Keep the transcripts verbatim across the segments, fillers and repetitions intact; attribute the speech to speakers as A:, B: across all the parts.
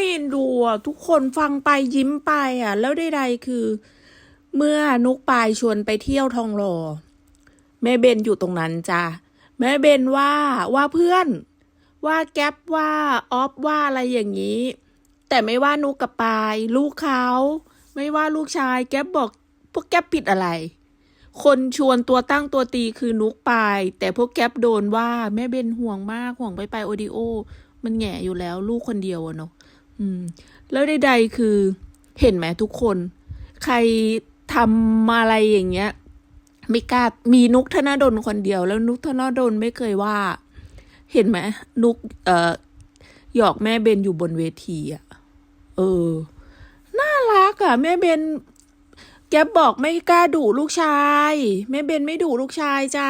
A: เอ็นดูอ่ะทุกคนฟังไปยิ้มไปอ่ะแล้วใดๆคือ เมื่อนุกปายชวนไปเที่ยวทองหล่อแม่เบนอยู่ตรงนั้นจ้ะแม่เบนว่าว่าเพื่อนว่าแก๊ปว่าออฟว่าอะไรอย่างนี้ แต่ไม่ว่านุกกับปายลูกเขาไม่ว่าลูกชายแก๊ปบอกพวกแก๊ปผิดอะไร คนชวนตัวตั้งตัวตีคือนุกปายแต่พวกแก๊ปโดนว่าแม่เบนห่วงมากห่วงไปไปโอดิโอมันแง่อยู่แล้วลูกคนเดียวอะเนาะอืม แล้วใดๆคือเห็นไหมทุกคน ใครทำอะไรอย่างเงี้ยไม่กล้ามีนุกธนดลคนเดียวแล้วนุกธนดลไม่เคยว่า เห็นไหมนุกเอ่อหยอกแม่เบนอยู่บนเวทีอ่ะเออน่ารักอ่ะแม่เบนแกบอกไม่กล้าดุลูกชายแม่เบนไม่ดุลูกชายจ้า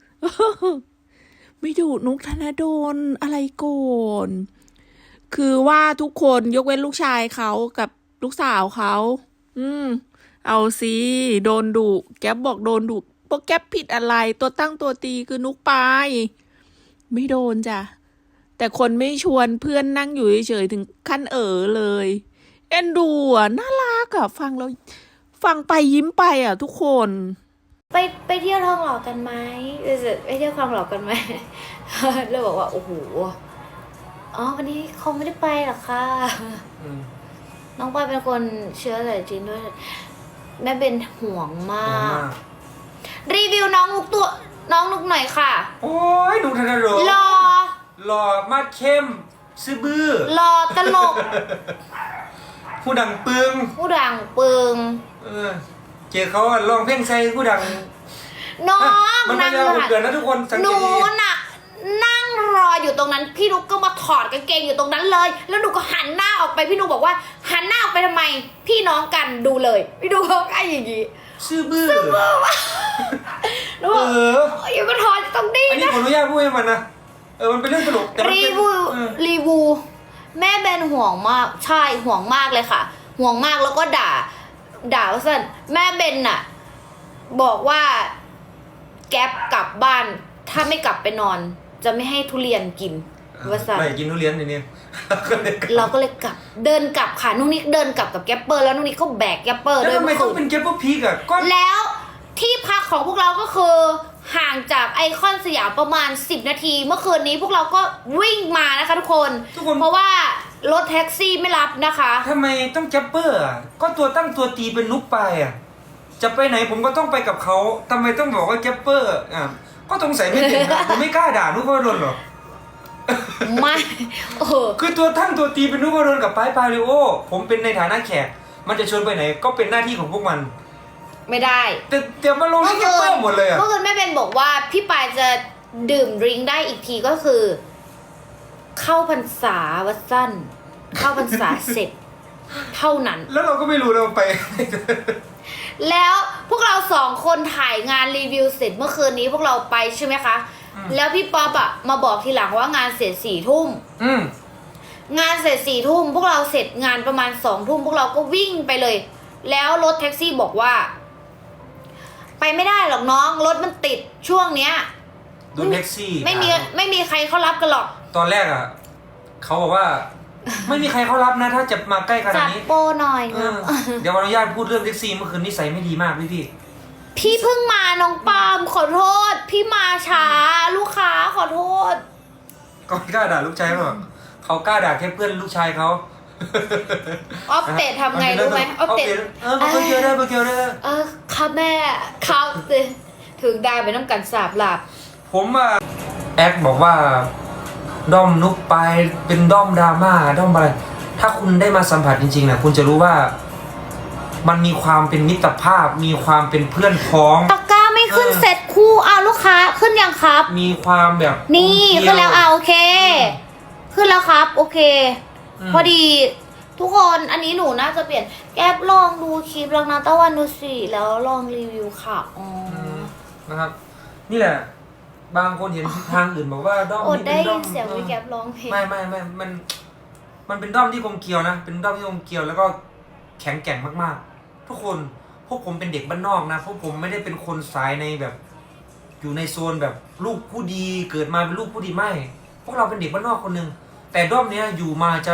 A: ไม่ดุนุกธนดลอะไรโกนคือว่าทุกคนยกเว้นลูกชายเขากับลูกสาวเขาอืมเอาสิโดนดุแก๊ปบอกโดนดุพวกแก๊ปผิดอะไรตัวตั้งตัวตีคือนุกปายไม่โดนจ้ะแต่คนไม่ชวนเพื่อนนั่งอยู่เฉยๆถึงขั้นเออเลยเอ็นดูอ่ะน่ารักอ่ะฟังแล้วฟังไปยิ้มไปอ่ะทุกคน
B: ไปไปเที่ยวทองหล่อกันไหมไปเที่ยวทองหล่อกันไหมเราบอกว่าโอ้โหอ๋อวันนี้คงไม่ได้ไปหรอกค่ะน้องปอยเป็นคนเชื้อสายจีนด้วยแม่เป็นห่วงมากรีวิวน้องนุกตัวน้องนุกหน่อยค่ะ
C: โอ้ยนุกธนดล
B: หล่อ
C: หล่อมากเข้มซื่อบื้อ
B: หล่อตลก
C: ผู้ดังปึง
B: ผู้ดังปึง
C: เออเจอเขาลองเพลงใส่ผู้ดัง
B: น้อง
C: มันไม่ยาวเกินนะทุกคนสังเกตดีหนู
B: น่ะนั่งรออยู่ตรงนั้นพี่นุกก็มาถอดกางเกงอยู่ตรงนั้นเลยแล้วหนูก็หันหน้าออกไปพี่นุกบอกว่าหันหน้าออกไปทำไมพี่น้องกันดูเลยพี่นุกเขาไอ้อย่างงี้
C: ซื่อบื้อ
B: ซื่อบื้อวะหนูบอกอยู่ก็ถอดตรงนี้
C: นะอันนี้ขออนุญาตพูดให้มันนะเออมันเป็นเรื่องตลกแต่
B: รีวิวรีวิวแม่เบนห่วงมากใช่ห่วงมากเลยค่ะห่วงมากแล้วก็ด่าด่าว่าสั้นแม่เบนน่ะบอกว่าแก๊ปกลับบ้านถ้าไม่กลับไปนอนจะไม่ให้ทุเรียนกินว่าสั้น
C: ไม่กินทุเรียนนี่
B: เราก็เลยกลับเดินกลับค่ะนุ่นนิกเดินกลับกับแก๊ปเปอร์แล้วนุ่นนิกเขาแบกแก๊ปเปอร์
C: แล้วทำไมต้องเป็นแก๊ปเปอร์พีกอ่ะก็
B: แล้วที่พักของพวกเราก็คือห่างจากไอคอนสยามประมาณสิบนาทีเมื่อคืนนี้พวกเราก็วิ่งมานะคะทุกคนเพราะว่ารถแท็กซี่ไม่รับนะคะ
C: ทำไมต้องแก๊ปเปอร์อ่ะก็ตัวตั้งตัวตีเป็นนุกไปอ่ะจะไปไหนผมก็ต้องไปกับเขาทำไมต้องบอกว่าแก๊ปเปอร์อ่ะก็สงสัยไม่ถึงนะผมไม่กล้าด่านุกพดลหรอก
B: ไม่เออ
C: คือตัวตั้งตัวตีเป็นนุกพดลกับปายปาริโอผมเป็นในฐานะแขกมันจะชวนไปไหนก็เป็นหน้าที่ของพวกมัน
B: ไม่ได้
C: แต่เดี๋ยวมาลงที่แก๊ปเปอร์หมดเลยอ่ะ
B: เมื่อคืนแม่เบนบอกว่าพี่ปายจะดื่มดริงได้อีกทีก็คือเข้าพรรษาวัดสั้นเข้าพรรษาเสร็จเท่านั้น
C: แล้วเราก็ไม่รู้เราไป
B: แล้วพวกเราสองคนถ่ายงานรีวิวเสร็จเมื่อคืนนี้พวกเราไปใช่ไหมคะแล้วพี่ป๊อปอะมาบอกทีหลังว่างานเสร็จสี่ทุ่มงานเสร็จสี่ทุ่มพวกเราเสร็จงานประมาณสองทุ่มพวกเราก็วิ่งไปเลยแล้วรถแท็กซี่บอกว่าไปไม่ได้หรอกน้องรถมันติดช่วงเนี้ย
C: รถแท็กซี่
B: ไม่มีไม่มีใครเขารับกันหรอก
C: ตอนแรกอ่ะเขาบอกว่าไม่มีใครเขารับนะถ้าจะมาใกล้ขนาดนี้
B: จัดโปรหน่อย
C: เดี๋ยวขออนุญาตพูดเรื่องแท็กซี่เมื่อคืนนิสัยไม่ดีมากพี่พี่
B: พี่เพิ่งมาน้องปาล์มขอโทษพี่มาช้าลูกค้าขอโทษ
C: ก็กล้าด่าลูกชายหรอเขากล้าด่าแค่เพื่อนลูกชายเขา
B: ออฟเตดทำไงรู้ไหมออฟเตด
C: เออเบอร์เกียวได้เบอร์เกียวได้
B: เออค่ะแม่ครับสิถึงได้ไปน้ำกันสาบหลับ
C: ผมอะแอคบอกว่าด้อมนุกไปเป็นด้อมดราม่าด้อมอะไรถ้าคุณได้มาสัมผัสจริงๆนะคุณจะรู้ว่ามันมีความเป็นมิตรภาพมีความเป็นเพื่อนพ้อง
B: ตะกร้าไม่ขึ้นเสร็จคู่อ้าวลูกค้าขึ้นยังครับ
C: มีความแบบ
B: นี่ขึ้นแล้วอ่ะโอเคขึ้นแล้วครับโอเคพอดีทุกคนอันนี้หนูน่าจะเปลี่ยนแก๊ปลองดูคลิปลองนาตะวันดูสิแล้วลองรีวิวค่ะอ๋อ
C: นะครับนี่แหละบางคนเห็นทางอื่นบอกว่าด้อม
B: นี้เป็นด้อมเสียงวิแก๊ปร้องเพลง
C: ไม่ไม่ไม่มันมันเป็นด้อมที่กลมเกลียวนะเป็นด้อมที่กลมเกลียวแล้วก็แข็งแกร่งมากๆทุกคนพวกผมเป็นเด็กบ้านนอกนะพวกผมไม่ได้เป็นคนสายในแบบอยู่ในโซนแบบลูกผู้ดีเกิดมาเป็นลูกผู้ดีไม่พวกเราเป็นเด็กบ้านนอกคนหนึ่งแต่ด้อมเนี้ยอยู่มาจะ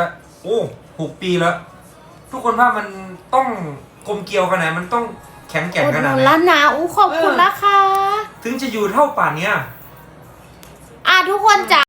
C: โอ้หกปีแล้ว ทุกคนว่ามันต้องกลมเกลียวขนาดไหนมันต้องแข็งแกร่ง
B: อุด
C: ข
B: ห
C: นา
B: นุ
C: ด
B: น
C: ไหน
B: แล้วนะอู้ขอบคุณนะคะ
C: ถึงจะอยู่เท่าป่านเนี้ย
B: อ่ะทุกคนจ๋า